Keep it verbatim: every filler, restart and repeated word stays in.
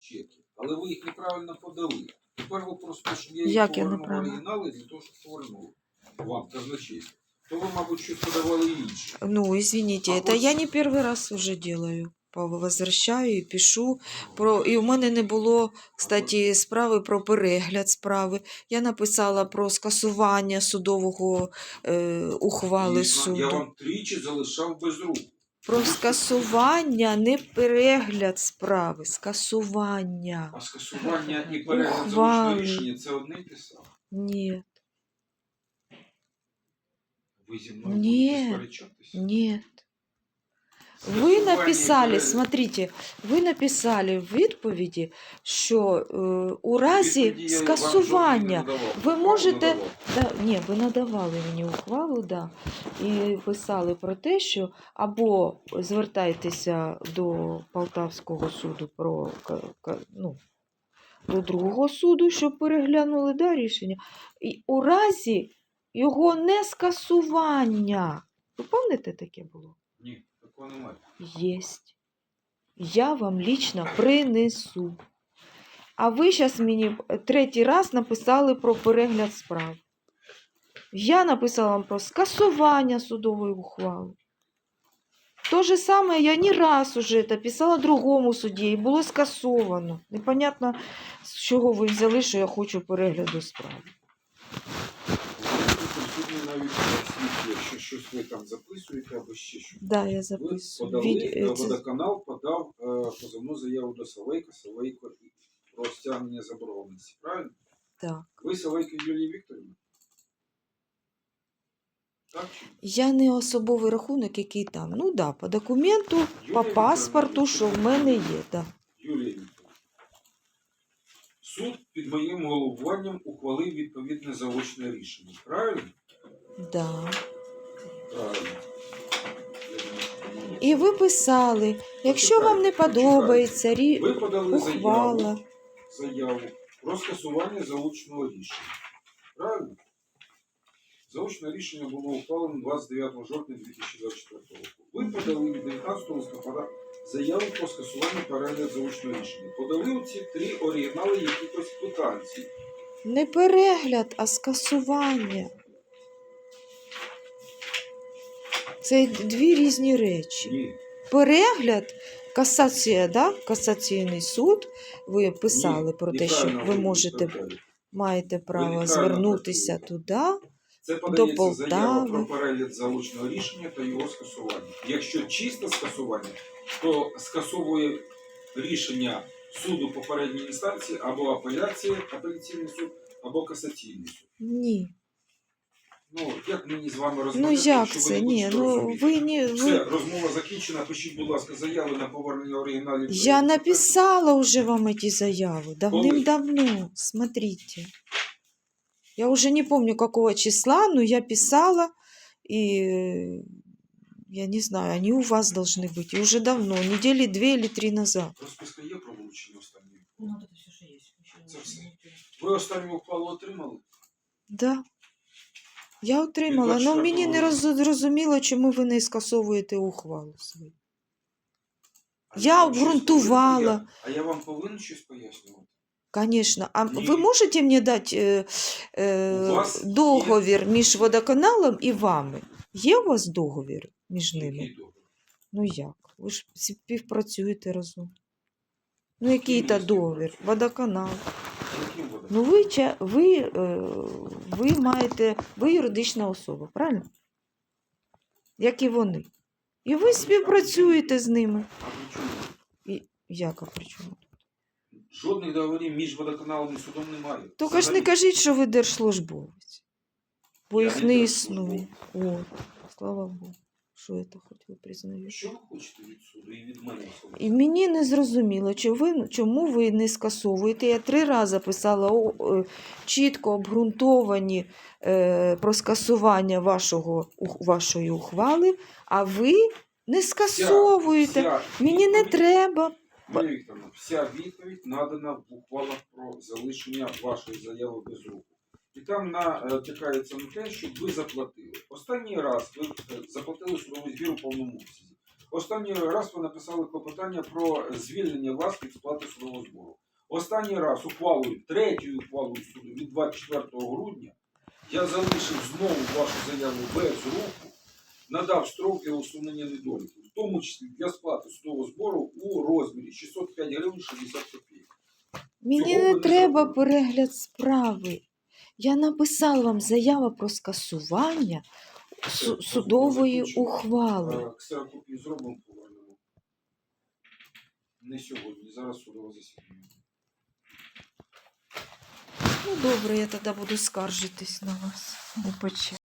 чеки, але ви їх неправильно подали. Тепер ви просто, щоб я їх Як я повернув неправильно? оригінали, для того, щоб повернули вам казначейство, то ви, мабуть, щось подавали інше. Ну, извините, А это ось- я не перший раз уже делаю. Возвращаю і пишу про. І у мене не було, кстати, справи про перегляд справи. Я написала про скасування судового е, ухвали Дійсно, суду. я вам тричі залишав без рук. Про скасування, не перегляд справи, скасування. А скасування і перегляд Ухвали. залучного рішення – це одне й те саме. Ні, Ви зі мною Ні. будете сперечатися? ні. Ви Скасування і написали, перегляд. смотрите, ви написали в відповіді, що е, у разі Відповіді я вам скасування жодної не надавав. ви Ухвалу можете. надавав. Да, ні, ви надавали мені ухвалу, да, і писали про те, що або звертайтеся до Полтавського суду про ка- ка- ну, до другого суду, щоб переглянули да, рішення. І у разі його не скасування. Ви пам'ятаєте, таке було? Ні, такого немає. Єсть. Я вам лично принесу. А ви зараз мені третій раз написали про перегляд справ. Я написала вам про скасування судової ухвали. То же саме я не раз уже это писала другому судді і було скасовано. Непонятно, з чого ви взяли, що я хочу перегляду справи. Присутні навіть свідки, якщо щось ви там записуєте або ще щось. Да, я Ви записую. подали, Від... е, це- водоканал подав е, позовну заяву до Савейка, Савейко і про стягнення заборгованості, правильно? Так. Ви Савейко Юлія Вікторівна? Так чи ні? Я не особовий рахунок, який там. Ну да, по документу, Юлія по паспорту, Вікторівна, що в мене є. Да. Юлія Вікторівна. Суд під моїм головуванням ухвалив відповідне заочне рішення. Правильно? Да. Правильно. І ви писали, якщо вам не подобається рі... Ви подали заяву, ухвала. заяву про скасування заочного рішення. Правильно? Заочне рішення було ухвалено двадцять дев'ятого жовтня дві тисячі двадцять четвертого року. Ви подали від дев'ятнадцятого листопада заяву про скасування перегляду заочного рішення. Подали оці три оригінали якихось квитанцій. Не перегляд, а скасування. Це дві різні речі. Ні. Перегляд, касація, да? Касаційний суд, ви писали Ні, про те, що неправильно ви можете, відповідаєте. маєте право неправильно звернутися туди. Це подається Полтави. заява про перегляд заочного рішення та його скасування. Якщо чисте скасування, то скасовує рішення суду попередньої інстанції або апеляція, апеляційний суд, або касаційний суд. Ні. Ну, як мені з вами Ну розмовляти, як якщо ви це? не Ні, будете ну розуміти? ви не... Все, Ви... розмова закінчена. Пишіть, будь ласка, заяви на повернення оригіналів. Я написала уже вам эти заявы давным-давно. Смотрите. Я уже не помню, какого числа, но я писала, и э, я не знаю, они у вас должны быть. И уже давно, недели две или три назад. Розписка є про вилучення останньої? Ну, вот это все, что есть. Еще Це все. не- Ви останню ухвалу отримали? Да. Я отримала, але мені не роз- зрозуміло, чому ви не скасовуєте ухвалу свою. А Я вам щось обґрунтувала. повинен- я- А я вам повинен щось пояснювати? Конечно. А Ні. ви можете мені дати е, У е, вас договір між водоканалом і вами? Є у вас договір між ними? Який договір? Ну як? Ви ж співпрацюєте разом. Ну який то ми договір? співпрацюємо? Водоканал. Яким водоканалом? Ну ви, ча- ви, е, ви маєте, ви юридична особа, правильно? Як і вони. І ви співпрацюєте з ними. А при чому? І, яка причому? Жодних договорів між водоканалом і судом немає. Тільки ж не Взагалі. кажіть, що ви держслужбовець. Бо Я їх не не держслужбовець. існує. От, слава Богу. Що це хоч ви признаєте? Що ви хочете від суду і від мене особисто? І мені не зрозуміло, чи ви, чому ви не скасовуєте. Я три рази писала о, е, чітко обґрунтовані е, про скасування вашого, ух- вашої ухвали, а ви не скасовуєте. Вся Мені не відповідь- треба. Марія Вікторовна, вся відповідь надана в ухвалах про залишення вашої заяви без руху. І там натякається на те, щоб ви заплатили. Останній раз ви е, заплатили судовий збір у повному обсязі. Останній раз ви написали клопотання про звільнення вас від сплати судового збору. Останній раз ухвалою, третьою ухвалою суду від двадцять четвертого грудня я залишив знову вашу заяву без руху, надав строки усунення недоліків, в тому числі для сплати судового збору у розмірі шістсот п'ять гривень шістдесят копійок. Мені Цього ви не не треба зробили. перегляд справи. Я написала вам заяву про скасування су- Це судової закінчено. ухвали. А, ксерокопію зробимо, повернемо. Не сьогодні, зараз судове засідання. Ну добре, я тоді буду скаржитись на вас. Не поче.